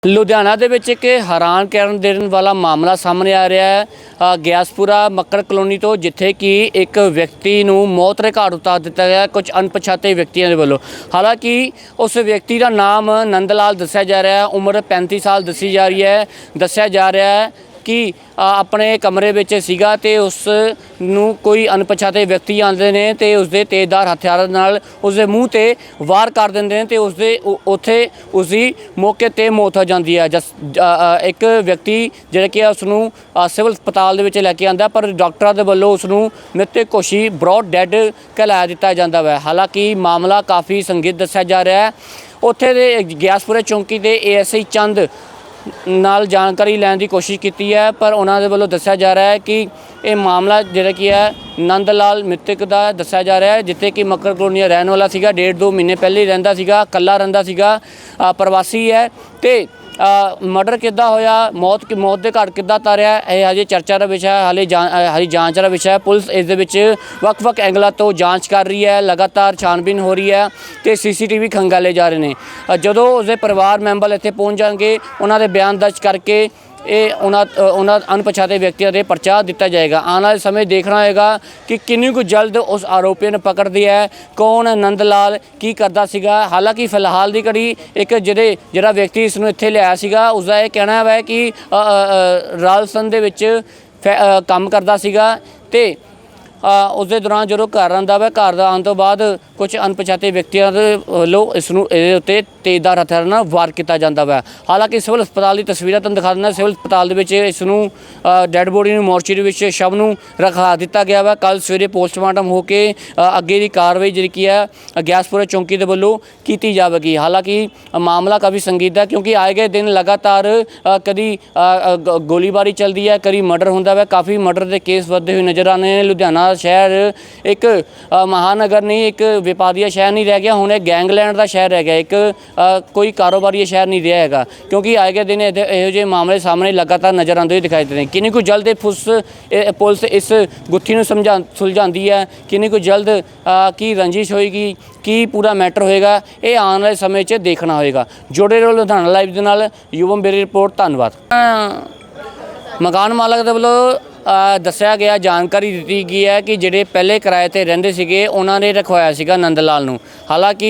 ਲੁਧਿਆਣਾ ਦੇ ਵਿੱਚ ਇੱਕ ਹੈਰਾਨ ਕਰਨ ਦੇਣ ਵਾਲਾ ਮਾਮਲਾ ਸਾਹਮਣੇ ਆ ਰਿਹਾ ਹੈ। ਗਿਆਸਪੁਰਾ ਮੱਕੜ ਕਲੋਨੀ ਤੋਂ, ਜਿੱਥੇ ਕਿ ਇੱਕ ਵਿਅਕਤੀ ਨੂੰ ਮੌਤ ਦੇ ਘਾਟ ਉਤਾਰ ਦਿੱਤਾ ਗਿਆ ਕੁਝ ਅਣਪਛਾਤੇ ਵਿਅਕਤੀਆਂ ਦੇ ਵੱਲੋਂ। ਹਾਲਾਂਕਿ ਉਸ ਵਿਅਕਤੀ ਦਾ ਨਾਮ ਨੰਦ ਲਾਲ ਦੱਸਿਆ ਜਾ ਰਿਹਾ ਹੈ, ਉਮਰ 35 ਸਾਲ ਦੱਸੀ ਜਾ ਰਹੀ ਹੈ। ਦੱਸਿਆ ਜਾ ਰਿਹਾ ਹੈ ਕਿ ਆਪਣੇ ਕਮਰੇ ਵਿੱਚ ਸੀਗਾ ਤੇ ਉਸ ਨੂੰ ਕੋਈ ਅਣਪਛਾਤੇ ਵਿਅਕਤੀ ਆਉਂਦੇ ਨੇ ਤੇ ਉਸਦੇ ਤੇਜ਼ਧਾਰ ਹਥਿਆਰਾਂ ਨਾਲ ਉਸਦੇ ਮੂੰਹ ਤੇ ਵਾਰ ਕਰ ਦਿੰਦੇ ਨੇ ਤੇ ਉਸਦੇ ਉੱਥੇ ਉਸਦੀ ਮੌਕੇ ਤੇ ਮੌਤ ਹੋ ਜਾਂਦੀ ਹੈ। ਇੱਕ ਵਿਅਕਤੀ ਜਿਹੜਾ ਕਿ ਉਸ ਨੂੰ ਸਿਵਲ ਹਸਪਤਾਲ ਦੇ ਵਿੱਚ ਲੈ ਕੇ ਆਉਂਦਾ, ਪਰ ਡਾਕਟਰਾਂ ਦੇ ਵੱਲੋਂ ਉਸ ਨੂੰ ਮ੍ਰਿਤਕ ਘੋਸ਼ਿਤ ਬਰੌਡ ਡੈਡ ਕਹਿਲਾ ਦਿੱਤਾ ਜਾਂਦਾ ਹੈ। ਹਾਲਾਂਕਿ ਮਾਮਲਾ ਕਾਫੀ ਸੰਗੀਨ ਦੱਸਿਆ ਜਾ ਰਿਹਾ ਹੈ। ਉੱਥੇ ਦੇ ਗਿਆਸਪੁਰੇ ਚੌਂਕੀ ਦੇ ASI ਚੰਦ ਨਾਲ ਜਾਣਕਾਰੀ ਲੈਣ ਦੀ ਕੋਸ਼ਿਸ਼ ਕੀਤੀ ਹੈ, ਪਰ ਉਹਨਾਂ ਦੇ ਵੱਲੋਂ ਦੱਸਿਆ ਜਾ ਰਿਹਾ ਹੈ ਕਿ ਇਹ ਮਾਮਲਾ ਜਿਹੜਾ ਕੀ ਹੈ ਨੰਦ ਲਾਲ ਮ੍ਰਿਤਕ ਦਾ ਦੱਸਿਆ ਜਾ ਰਿਹਾ ਹੈ, ਜਿੱਥੇ ਕਿ ਮੱਕੜ ਕਲੋਨੀ ਰਹਿਣ ਵਾਲਾ ਸੀਗਾ। 1.5-2 ਮਹੀਨੇ ਪਹਿਲੇ ਹੀ ਰਹਿੰਦਾ ਸੀਗਾ, ਇਕੱਲਾ ਰਹਿੰਦਾ ਸੀਗਾ, ਪ੍ਰਵਾਸੀ ਹੈ। ਤੇ ਮਰਡਰ ਕਿੱਦਾਂ ਹੋਇਆ, ਮੌਤ ਦੇ ਘਾਟ ਕਿੱਦਾਂ ਉਤਾਰਿਆ, ਇਹ ਹਜੇ ਚਰਚਾ ਦਾ ਵਿਸ਼ਾ ਹੈ, ਹਾਲੇ ਜਾਂਚ ਦਾ ਵਿਸ਼ਾ ਹੈ। ਪੁਲਿਸ ਇਸ ਦੇ ਵਿੱਚ ਵੱਖ-ਵੱਖ ਐਂਗਲਾਂ ਤੋਂ ਜਾਂਚ ਕਰ ਰਹੀ ਹੈ, ਲਗਾਤਾਰ ਛਾਣਬੀਨ ਹੋ ਰਹੀ ਹੈ ਤੇ CCTV ਖੰਗਾਲੇ ਜਾ ਰਹੇ ਨੇ। ਜਦੋਂ ਉਸਦੇ ਪਰਿਵਾਰ ਮੈਂਬਰ ਇੱਥੇ ਪਹੁੰਚ ਜਾਣਗੇ, ਉਹਨਾਂ ਦੇ ਬਿਆਨ ਦਰਜ ਕਰਕੇ ਇਹ ਉਹਨਾਂ ਅਣਪਛਾਤੇ ਵਿਅਕਤੀਆਂ ਦੇ ਪਰਚਾ ਦਿੱਤਾ ਜਾਏਗਾ। ਆਉਣ ਵਾਲੇ ਸਮੇਂ ਦੇਖਣਾ ਹੋਏਗਾ ਕਿ ਕਿੰਨੀ ਕੁ ਜਲਦ ਉਸ ਆਰੋਪੀਆਂ ਨੂੰ ਪਕੜਦੀ ਹੈ, ਕੌਣ ਨੰਦ ਲਾਲ, ਕੀ ਕਰਦਾ ਸੀਗਾ। ਹਾਲਾਂਕਿ ਫਿਲਹਾਲ ਦੀ ਘੜੀ ਇੱਕ ਜਿਹੜਾ ਵਿਅਕਤੀ ਇਸ ਨੂੰ ਇੱਥੇ ਲਿਆਇਆ ਸੀਗਾ, ਉਸਦਾ ਇਹ ਕਹਿਣਾ ਹੈ ਕਿ ਰਾਜਸਥਾਨ ਦੇ ਵਿੱਚ ਕੰਮ ਕਰਦਾ ਸੀਗਾ ਤੇ ਉਸਦੇ ਦੌਰਾਨ ਜਦੋਂ ਘਰ ਆਉਂਦਾ ਵਾ, ਘਰ ਦਾ ਆਉਣ ਤੋਂ ਬਾਅਦ ਕੁਝ ਅਣਪਛਾਤੇ ਵਿਅਕਤੀਆਂ ਦੇ ਵੱਲੋਂ ਇਸ ਨੂੰ ਇਹਦੇ ਉੱਤੇ ਤੇਜ਼ਧਾਰ ਹਥਿਆਰਾਂ ਨਾਲ ਵਾਰ ਕੀਤਾ ਜਾਂਦਾ ਵਾ। ਹਾਲਾਂਕਿ ਸਿਵਲ ਹਸਪਤਾਲ ਦੀ ਤਸਵੀਰਾਂ ਤੁਹਾਨੂੰ ਦਿਖਾ ਦਿੰਦਾ। ਸਿਵਲ ਹਸਪਤਾਲ ਦੇ ਵਿੱਚ ਇਸ ਨੂੰ ਡੈੱਡ ਬੋਡੀ ਨੂੰ ਮੋਰਚਰੀ ਵਿੱਚ ਸ਼ਵ ਨੂੰ ਰਖਾ ਦਿੱਤਾ ਗਿਆ ਵਾ। ਕੱਲ੍ਹ ਸਵੇਰੇ ਪੋਸਟਮਾਰਟਮ ਹੋ ਕੇ ਅੱਗੇ ਦੀ ਕਾਰਵਾਈ ਜਿਹੜੀ ਕੀ ਹੈ ਗਿਆਸਪੁਰਾ ਚੌਂਕੀ ਦੇ ਵੱਲੋਂ ਕੀਤੀ ਜਾਵੇਗੀ। ਹਾਲਾਂਕਿ ਮਾਮਲਾ ਕਾਫੀ ਸੰਗੀਨ ਹੈ, ਕਿਉਂਕਿ ਆਏ ਗਏ ਦਿਨ ਲਗਾਤਾਰ ਕਦੀ ਗੋਲੀਬਾਰੀ ਚੱਲਦੀ ਹੈ, ਕਦੀ ਮਰਡਰ ਹੁੰਦਾ ਵਾ। ਕਾਫੀ ਮਰਡਰ ਦੇ ਕੇਸ ਵੱਧਦੇ ਹੋਏ ਨਜ਼ਰ ਆਉਂਦੇ ਨੇ। ਲੁਧਿਆਣਾ ਸ਼ਹਿਰ ਇੱਕ ਮਹਾਨਗਰ ਨਹੀਂ, ਇੱਕ ਵਪਾਰੀਆ ਸ਼ਹਿਰ ਨਹੀਂ ਰਹਿ ਗਿਆ, ਹੁਣ ਇਹ ਗੈਂਗਲੈਂਡ ਦਾ ਸ਼ਹਿਰ ਰਹਿ ਗਿਆ, ਇੱਕ ਕੋਈ ਕਾਰੋਬਾਰੀ ਸ਼ਹਿਰ ਨਹੀਂ ਰਿਹਾ ਹੈਗਾ, ਕਿਉਂਕਿ ਆਏ ਗਏ ਦਿਨ ਇਹੋ ਜਿਹੇ ਮਾਮਲੇ ਸਾਹਮਣੇ ਲਗਾਤਾਰ ਨਜ਼ਰ ਆਉਂਦੇ ਹੋਏ ਦਿਖਾਈ ਦੇ ਰਹੇ। ਕਿੰਨੀ ਕੁ ਜਲਦ ਪੁਲਿਸ ਇਸ ਗੁੱਥੀ ਨੂੰ ਸੁਲਝਾਉਂਦੀ ਹੈ, ਕਿੰਨੀ ਕੁ ਜਲਦ ਕੀ ਰੰਜਿਸ਼ ਹੋਏਗੀ, ਕੀ ਪੂਰਾ ਮੈਟਰ ਹੋਏਗਾ, ਇਹ ਆਉਣ ਵਾਲੇ ਸਮੇਂ 'ਚ ਦੇਖਣਾ ਹੋਏਗਾ। ਜੁੜੇ ਰਹੋ ਲੁਧਿਆਣਾ ਲਾਈਵ ਦੇ ਨਾਲ। ਯੁਵਮ ਬੇਰੀ ਰਿਪੋਰਟ। ਧੰਨਵਾਦ। ਮਕਾਨ ਮਾਲਕ ਦੇ ਵੱਲੋਂ ਦੱਸਿਆ ਗਿਆ, ਜਾਣਕਾਰੀ ਦਿੱਤੀ ਗਈ ਹੈ ਕਿ ਜਿਹੜੇ ਪਹਿਲੇ ਕਿਰਾਏ 'ਤੇ ਰਹਿੰਦੇ ਸੀਗੇ ਉਹਨਾਂ ਨੇ ਰਖਵਾਇਆ ਸੀਗਾ ਨੰਦ ਲਾਲ ਨੂੰ। ਹਾਲਾਂਕਿ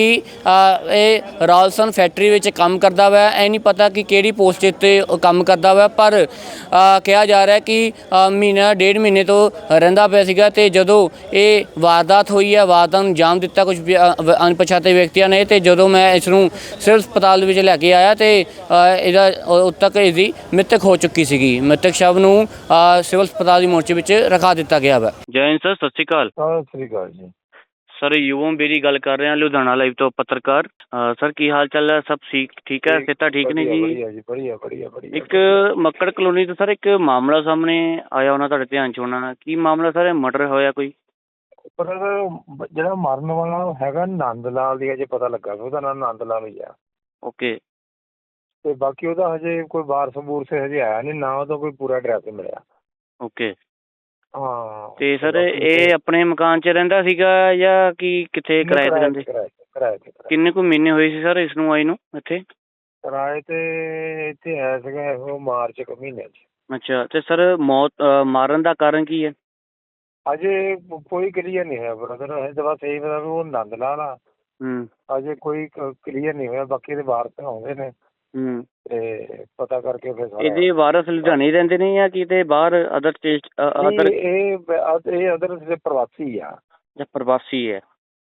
ਇਹ ਰਾਜਸਥਾਨ ਫੈਕਟਰੀ ਵਿੱਚ ਕੰਮ ਕਰਦਾ ਵਾ, ਇਹ ਨਹੀਂ ਪਤਾ ਕਿ ਕਿਹੜੀ ਪੋਸਟ 'ਤੇ ਕੰਮ ਕਰਦਾ ਵਾ, ਪਰ ਕਿਹਾ ਜਾ ਰਿਹਾ ਕਿ ਮਹੀਨਾ 1.5 ਮਹੀਨੇ ਤੋਂ ਰਹਿੰਦਾ ਪਿਆ ਸੀਗਾ। ਅਤੇ ਜਦੋਂ ਇਹ ਵਾਰਦਾਤ ਹੋਈ ਹੈ, ਵਾਰਦਾਤ ਨੂੰ ਅੰਜਾਮ ਦਿੱਤਾ ਕੁਝ ਅਣਪਛਾਤੇ ਵਿਅਕਤੀਆਂ ਨੇ, ਅਤੇ ਜਦੋਂ ਮੈਂ ਇਸ ਨੂੰ ਸਿਵਲ ਹਸਪਤਾਲ ਵਿੱਚ ਲੈ ਕੇ ਆਇਆ ਅਤੇ ਇਹਦਾ ਉਦੋਂ ਤੱਕ ਇਹਦੀ ਮ੍ਰਿਤਕ ਹੋ ਚੁੱਕੀ ਸੀਗੀ। ਮ੍ਰਿਤਕ ਸ਼ਵ ਨੂੰ ਸਿਵਲ ਹਸਪਤਾਲ ਦੀ ਮੋਰਚੇ ਵਿੱਚ ਰਖਾ ਦਿੱਤਾ ਗਿਆ ਵਾ। ਜੈ ਹਿੰਦ ਸਰ, ਸਤਿ ਸ਼੍ਰੀ ਅਕਾਲ। ਸਤਿ ਸ਼੍ਰੀ ਅਕਾਲ ਜੀ। ਸਰ ਯੁਵਮ ਬੇਰੀ ਗੱਲ ਕਰ ਰਹੇ ਹਾਂ, ਲੁਧਿਆਣਾ ਲਾਈਵ ਤੋਂ ਪੱਤਰਕਾਰ। ਸਰ ਕੀ ਹਾਲ ਚਾਲ ਹੈ? ਸਭ ਠੀਕ ਹੈ? ਸਿਹਤਾਂ ਠੀਕ ਨੇ ਜੀ? ਵਧੀਆ। ਇੱਕ ਮੱਕੜ ਕਲੋਨੀ ਤੋਂ ਸਰ ਇੱਕ ਮਾਮਲਾ ਸਾਹਮਣੇ ਆਇਆ ਹੋਣਾ, ਤੁਹਾਡੇ ਧਿਆਨ 'ਚ ਹੋਣਾ। ਕੀ ਮਾਮਲਾ ਸਰ? ਮਰਡਰ ਹੋਇਆ ਕੋਈ? ਪਰ ਜਿਹੜਾ ਮਰਨ ਵਾਲਾ ਹੈਗਾ ਨੰਦ ਲਾਲ ਦੀ ਅਜੇ ਪਤਾ ਲੱਗਾ, ਉਹਦਾ ਨਾਮ ਨੰਦ ਲਾਲ ਹੀ ਆ। ਓਕੇ। ਤੇ ਬਾਕੀ ਉਹਦਾ ਹਜੇ ਕੋਈ ਵਾਰਸ ਬੂਰਸ ਹਜੇ ਆਇਆ ਨਹੀਂ, ਨਾ ਉਹਦਾ ਕੋਈ ਪੂਰਾ ਐਡਰੈਸ ਮਿਲਿਆ। ਓਕੇ। ਹਾਂ। ਤੇ ਸਰ ਇਹ ਆਪਣੇ ਮਕਾਨ 'ਚ ਰਹਿੰਦਾ ਸੀਗਾ ਜਾਂ ਕੀ ਕਿੱਥੇ ਕਿਰਾਏ 'ਤੇ ਰਹਿੰਦੇ? ਕਿਰਾਏ ਤੇ। ਕਿੰਨੇ ਕੁ ਮਹੀਨੇ ਹੋਏ ਸੀ ਸਰ ਇਸ ਨੂੰ ਆਈ ਨੂੰ ਇੱਥੇ? ਕਿਰਾਏ ਤੇ ਇੱਥੇ ਆਇਆ ਸੀਗਾ ਉਹ ਮਾਰਚ ਕੁ ਮਹੀਨੇ 'ਚ। ਅੱਛਾ। ਤੇ ਸਰ ਮਾਰਨ ਦਾ ਕਾਰਨ ਕੀ ਹੈ? ਅਜੇ ਕੋਈ ਕਲੀਅਰ ਨਹੀਂ ਹੋਇਆ ਬ੍ਰਦਰ, ਹਜੇ ਤਾਂ ਬਸ ਇਹੀ ਪਤਾ ਵੀ ਉਹ ਨੰਦ ਲਾਲ ਆ। ਅਜੇ ਕੋਈ ਕਲੀਅਰ ਨਹੀਂ ਹੋਇਆ। ਬਾਕੀ ਇਹਦੇ ਵਾਰਸ ਆਉਂਦੇ ਨੇ ਤੇ ਪਤਾ ਕਰਕੇ ਫਿਰ ਇਹਦੇ ਵਾਰਸ ਲੁਧਿਆਣੇ ਰਹਿੰਦੇ ਨੇ ਜਾਂ ਕਿਤੇ ਬਾਹਰ ਅਦਰ ਸਟੇਟ? ਇਹ ਅਦਰ ਪ੍ਰਵਾਸੀ ਆ। ਪ੍ਰਵਾਸੀ ਹੈ।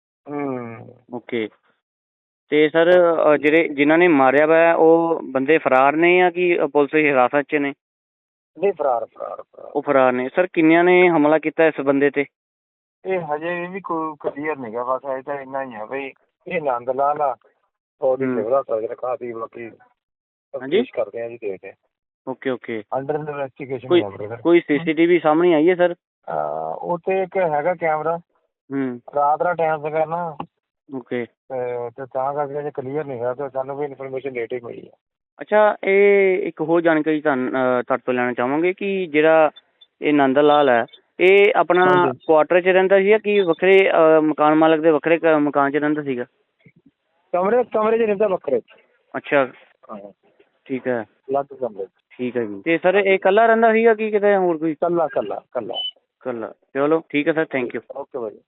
ਓਕੇ। ਤੇ ਸਰ ਜਿਨ੍ਹਾਂ ਨੇ ਮਾਰਿਆ ਵਾ ਉਹ ਬੰਦੇ ਫਰਾਰ ਨੇ ਜਾਂ ਕਿ ਪੁਲਿਸ ਦੀ ਹਿਰਾਸਤ 'ਚ ਨੇ? ਨਹੀਂ, ਫਰਾਰ। ਉਹ ਫਰਾਰ ਨੇ। ਸਰ ਕਿੰਨਿਆਂ ਨੇ ਹਮਲਾ ਕੀਤਾ ਇਸ ਬੰਦੇ ਤੇ? ਇਹ ਹਜੇ ਵੀ ਕੋਈ ਕਲੀਅਰ ਨਹੀਂ ਗਾ, ਬਸ ਹਜੇ ਤਾਂ ਇੰਨਾ ਹੀ ਆ ਬਈ ਇਹ ਨੰਦ ਲਾਲ ਆ। ਉਹਦੀ ਰਖਾਤੀ, ਬਾਕੀ ਕਰਦੇ ਆ ਜੀ, ਦੇਖਦੇ ਆ। ਓਕੇ। Under investigation. ਕੋਈ CCTV ਸਾਹਮਣੇ ਆਈ ਹੈ ਸਰ? ਉੱਥੇ ਇੱਕ ਹੈਗਾ ਕੈਮਰਾ, ਰਾਤ ਦਾ ਟਾਈਮ ਸੀਗਾ ਨਾ। ਓਕੇ। ਤੇ ਤਾਂ ਕਰਕੇ ਅਜੇ ਕਲੀਅਰ ਨਹੀਂ ਹੋਇਆ ਤੇ ਸਾਨੂੰ ਵੀ ਇਨਫੋਰਮੇਸ਼ਨ ਲੇਟ ਹੀ ਮਿਲੀ ਆ। ਅੱਛਾ। ਇਹ ਇੱਕ ਹੋਰ ਜਾਣਕਾਰੀ ਤੁਹਾਡੇ ਤੋਂ ਲੈਣਾ ਚਾਹਾਂਗੇ ਕਿ ਜਿਹੜਾ ਇਹ ਨੰਦ ਲਾਲ ਹੈ, ਇਹ ਆਪਣਾ ਕੁਆਟਰ 'ਚ ਰਹਿੰਦਾ ਸੀ ਜਾਂ ਕਿ ਵੱਖਰੇ ਮਕਾਨ ਮਾਲਕ ਦੇ ਵੱਖਰੇ ਮਕਾਨ 'ਚ ਰਹਿੰਦਾ ਸੀਗਾ? ਕਮਰੇ 'ਚ ਰਹਿੰਦਾ, ਵੱਖਰੇ। ਅੱਛਾ। ਠੀਕ ਹੈ, ਅਲੱਗ ਕਮਰੇ 'ਚ। ਠੀਕ ਹੈ ਜੀ। ਤੇ ਸਰ ਇਹ ਇਕੱਲਾ ਰਹਿੰਦਾ ਸੀਗਾ ਕਿ ਕਿਤੇ ਹੋਰ ਕੋਈ? ਕੱਲਾ ਕੱਲਾ ਕੱਲਾ। ਇਕੱਲਾ। ਚਲੋ ਠੀਕ ਹੈ ਸਰ, ਥੈਂਕ ਯੂ। ਓਕੇ ਭਾਈ।